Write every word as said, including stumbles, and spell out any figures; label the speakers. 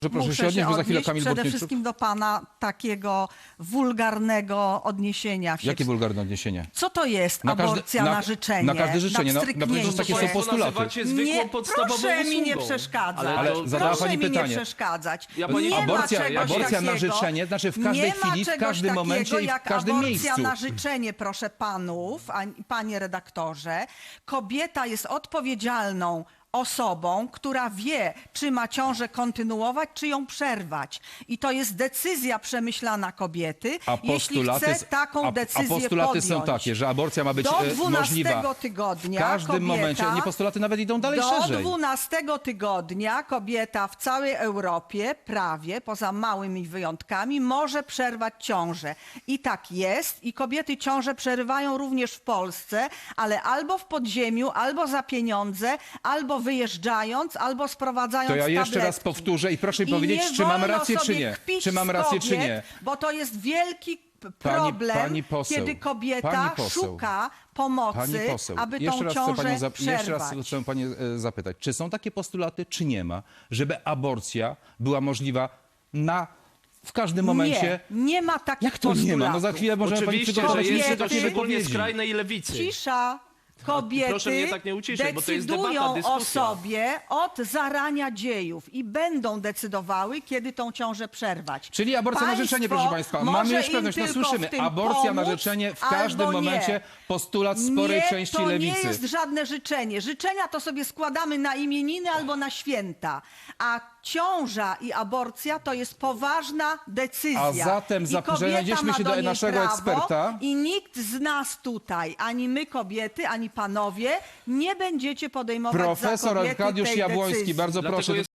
Speaker 1: Że proszę
Speaker 2: Muszę
Speaker 1: się odnieść, bo za chwilę
Speaker 2: odnieść
Speaker 1: Kamil
Speaker 2: przede
Speaker 1: Bortniczuk.
Speaker 2: wszystkim do pana takiego wulgarnego odniesienia się.
Speaker 1: Jakie wulgarne odniesienie?
Speaker 2: Co to jest
Speaker 1: Na każde-
Speaker 2: aborcja
Speaker 1: na-
Speaker 2: na życzenie?
Speaker 1: na każde życzenie, no- no przecież
Speaker 2: wstrzyknięcie?
Speaker 1: takie są
Speaker 3: Państwo
Speaker 1: postulaty.
Speaker 3: nazywacie zwykłą
Speaker 2: Nie,
Speaker 3: podstawową
Speaker 2: proszę mi nie
Speaker 3: usługą.
Speaker 2: przeszkadzać.
Speaker 1: Ale
Speaker 3: to-
Speaker 1: zadała
Speaker 2: proszę
Speaker 1: pani
Speaker 2: mi
Speaker 1: pytanie.
Speaker 2: nie przeszkadzać.
Speaker 3: Ja pani-
Speaker 2: nie
Speaker 1: Aborcja-
Speaker 2: ma czegoś
Speaker 1: aborcja na
Speaker 2: takiego,
Speaker 1: życzenie, znaczy w każdej
Speaker 2: nie
Speaker 1: chwili,
Speaker 2: ma
Speaker 1: w
Speaker 2: czegoś
Speaker 1: każdym
Speaker 2: takiego
Speaker 1: momencie i w
Speaker 2: jak
Speaker 1: każdym
Speaker 2: aborcja
Speaker 1: miejscu.
Speaker 2: na życzenie, proszę panów, a, panie redaktorze. Kobieta jest odpowiedzialną osobą, która wie, czy ma ciążę kontynuować, czy ją przerwać. I to jest decyzja przemyślana kobiety,
Speaker 1: A
Speaker 2: jeśli
Speaker 1: postulaty,
Speaker 2: chce taką
Speaker 1: a,
Speaker 2: decyzję
Speaker 1: a postulaty
Speaker 2: podjąć.
Speaker 1: są takie, że aborcja ma być
Speaker 2: Do
Speaker 1: e, możliwa
Speaker 2: dwunastego tygodnia
Speaker 1: w każdym
Speaker 2: kobieta,
Speaker 1: momencie. Nie, postulaty nawet idą dalej
Speaker 2: Do
Speaker 1: szerzej.
Speaker 2: dwunastego tygodnia kobieta w całej Europie, prawie, poza małymi wyjątkami, może przerwać ciążę. I tak jest. I kobiety ciążę przerywają również w Polsce, ale albo w podziemiu, albo za pieniądze, albo wyjeżdżając, albo sprowadzając
Speaker 1: To ja jeszcze raz
Speaker 2: tabletki.
Speaker 1: powtórzę i proszę mi
Speaker 2: I
Speaker 1: powiedzieć,
Speaker 2: nie
Speaker 1: czy mam
Speaker 2: wolno
Speaker 1: rację, czy
Speaker 2: sobie
Speaker 1: nie.
Speaker 2: kpić
Speaker 1: Czy mam
Speaker 2: z
Speaker 1: rację,
Speaker 2: kobiet,
Speaker 1: czy nie.
Speaker 2: Bo to jest wielki p-
Speaker 1: Pani-
Speaker 2: problem,
Speaker 1: pani poseł,
Speaker 2: kiedy kobieta
Speaker 1: pani poseł,
Speaker 2: szuka pomocy,
Speaker 1: Pani poseł,
Speaker 2: aby
Speaker 1: jeszcze
Speaker 2: tą
Speaker 1: raz, chcę
Speaker 2: ciążę
Speaker 1: panią zap-
Speaker 2: przerwać.
Speaker 1: jeszcze raz chcę panią e, zapytać, czy są takie postulaty, czy nie ma, żeby aborcja była możliwa na, w każdym momencie?
Speaker 2: Nie, nie ma takich
Speaker 1: Jak to nie ma? No za
Speaker 2: postulatów.
Speaker 1: chwilę możemy pani
Speaker 3: Oczywiście, że
Speaker 1: przygotować
Speaker 3: jest
Speaker 2: Kobiety-
Speaker 3: to
Speaker 1: takie
Speaker 3: szczególnie
Speaker 1: wypowiedzi.
Speaker 3: skrajnej lewicy.
Speaker 2: Cisza. Kobiety
Speaker 3: proszę mnie tak nie uciszać, bo to jest debata,
Speaker 2: decydują o
Speaker 3: dyskusja.
Speaker 2: sobie od zarania dziejów i będą decydowały, kiedy tą ciążę przerwać.
Speaker 1: Czyli aborcja na życzenie, proszę państwa. Mamy
Speaker 2: może
Speaker 1: już
Speaker 2: im
Speaker 1: pewność, no
Speaker 2: tylko
Speaker 1: słyszymy.
Speaker 2: w tym
Speaker 1: Aborcja na
Speaker 2: pomóc,
Speaker 1: życzenie w
Speaker 2: albo
Speaker 1: każdym
Speaker 2: nie.
Speaker 1: momencie postulat sporej
Speaker 2: nie,
Speaker 1: części
Speaker 2: to
Speaker 1: lewicy.
Speaker 2: nie jest żadne życzenie. Życzenia to sobie składamy na imieniny albo na święta. A ciąża i aborcja to jest poważna decyzja.
Speaker 1: A zatem
Speaker 2: I
Speaker 1: zap-
Speaker 2: kobieta
Speaker 1: znajdziemy
Speaker 2: ma
Speaker 1: się do
Speaker 2: niej
Speaker 1: naszego
Speaker 2: prawo
Speaker 1: eksperta.
Speaker 2: I nikt z nas tutaj, ani my kobiety, ani panowie, nie będziecie podejmować za
Speaker 1: Profesor
Speaker 2: kobiety
Speaker 1: Arkadiusz
Speaker 2: tej
Speaker 1: Jabłoński,
Speaker 2: decyzji.
Speaker 1: bardzo
Speaker 3: Dlatego
Speaker 1: proszę.
Speaker 3: jest